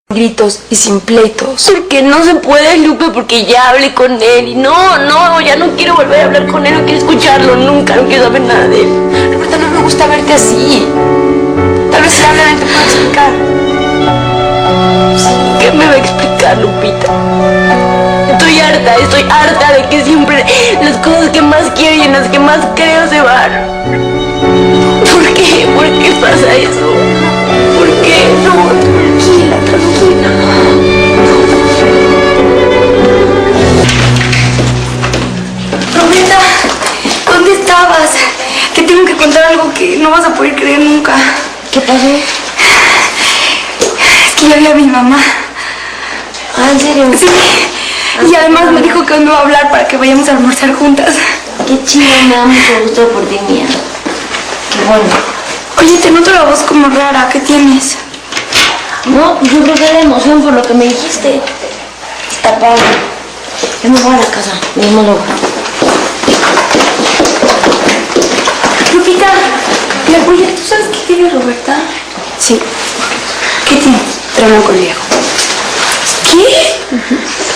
gritos y sin pleitos. Porque no se puede, Lupe, porque ya hablé con él y no, ya no quiero volver a hablar con él, no quiero escucharlo nunca, no quiero saber nada de él. Roberta, no me gusta verte así. Tal vez si hablan él te pueda explicar. ¿Qué me va a explicar, Lupita? Estoy harta de que siempre las cosas que más quiero y en las que más creo se van. ¿Por qué? ¿Por qué pasa eso? ¿Por qué? No, tranquila. Roberta, ¿dónde estabas? Te tengo que contar algo que no vas a poder creer nunca. ¿Qué pasó? Es que ya vi a mi mamá. ¿Ah, en serio? Sí. Y además me dijo que hoy me va a hablar para que vayamos a almorzar juntas. Qué chido, me da mucho gusto por ti, mía. Qué bueno. Oye, te noto la voz como rara. ¿Qué tienes? No, yo creo que era emoción por lo que me dijiste. Está padre. Yo me voy a la casa. Nos vemos luego. Lupita, oye, ¿tú sabes qué tiene Roberta? Sí. ¿Qué tiene? Trauma con Diego. ¿Qué?